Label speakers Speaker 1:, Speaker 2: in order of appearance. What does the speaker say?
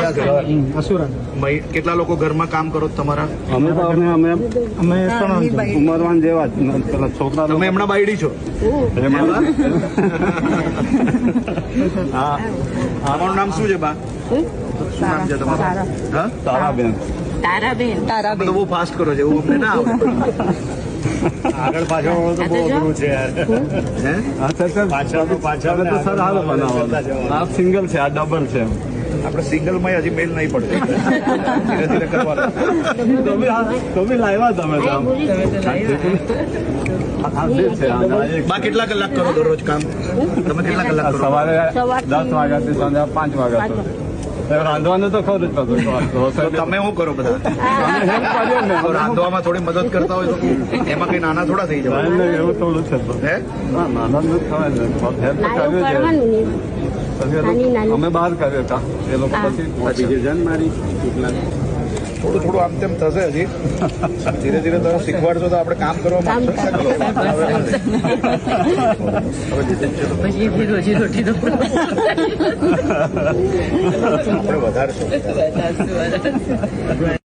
Speaker 1: કેટલા લોકો ઘરમાં કામ કરો તમારા?
Speaker 2: અમે ઉમરવાન જેવા પેલા છોકરા.
Speaker 1: તમે હમણાં બાયડી છો? તમારું નામ શું છે બા? શું નામ છે તમારું?
Speaker 2: તારાબેન.
Speaker 1: તમે તો બહુ ફાસ્ટ કરો છો, એવું અમને ના આવડે.
Speaker 3: આગળ પાછળ તો બહુ અઘરું છે યાર. પાછળ
Speaker 2: તો સર હાલ બનાવો. આ સિંગલ છે, આ ડબલ છે.
Speaker 1: આપણે સિંગલમાં હજી મેલ નહીં પડતો, ધીરે ધીરે કરવાનું.
Speaker 2: તો બી લાવ્યા તમે
Speaker 1: બા કેટલા કલાક કરો દરરોજ કામ? તમે કેટલા કલાક કરો?
Speaker 2: સવારે 10 વાગ્યાથી સાંજે 5 વાગ્યા સુધી. રાંધવાનું તો ખરું જ બધું.
Speaker 1: તમે શું કરો બધા? રાંધવામાં થોડી મદદ કરતા હોય તો એમાં કઈ નાના થોડા થઈ જવાય.
Speaker 2: એવું થોડું છે. નાના જ ખવાય ને, હેલ્પ કર્યું છે. અમે બહાર કર્યો હતા એ લોકો પછી મારી
Speaker 1: થોડું થોડું આમ તેમ થશે હજી. ધીરે ધીરે તમે શીખવાડશો તો આપણે કામ કરવા માંગશો. આપણે વધારશું.